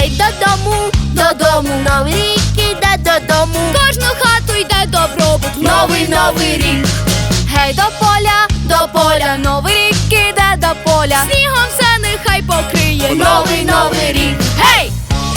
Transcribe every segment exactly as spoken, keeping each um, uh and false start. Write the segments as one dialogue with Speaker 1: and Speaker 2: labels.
Speaker 1: Гей, додому, додому, новий рік іде додому.
Speaker 2: Кожну хату йде добробут.
Speaker 1: Новий, новий рік.
Speaker 2: Гей, до поля,
Speaker 1: До поля,
Speaker 2: новий рік іде до поля. Снігом все нехай покриє.
Speaker 1: новий, новий рік. Гей!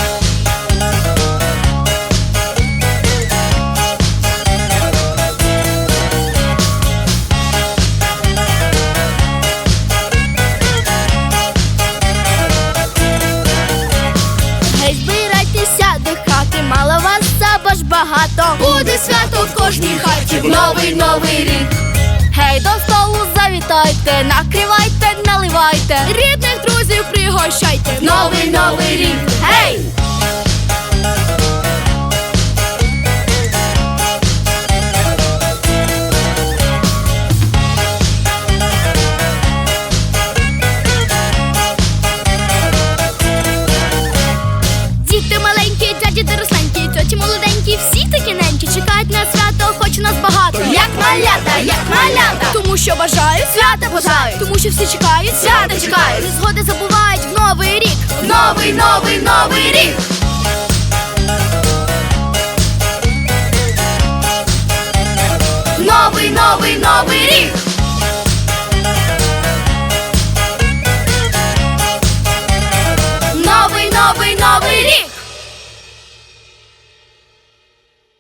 Speaker 2: Гей, збирайтеся до хати, мало вас або ж багато.
Speaker 1: Буде свято в кожній хаті. Новий, новий рік.
Speaker 2: Гей, до столу завітайте, накривайте, наливайте, рідних друзів пригощайте.
Speaker 1: Новий, новий рік. Гей!
Speaker 2: Діти маленькі, дяді доросленькі, тьоті молоденькі, всі такі ненькі чекають на свято, хоч нас багато.
Speaker 1: Як малята, як малята.
Speaker 2: Тому що бажають,
Speaker 1: Свята бажають.
Speaker 2: тому що всі чекають,
Speaker 1: Свята чекають.
Speaker 2: Незгоди забувають в новий рік.
Speaker 1: Новий, новий, новий рік. Новий, новий, новий рік.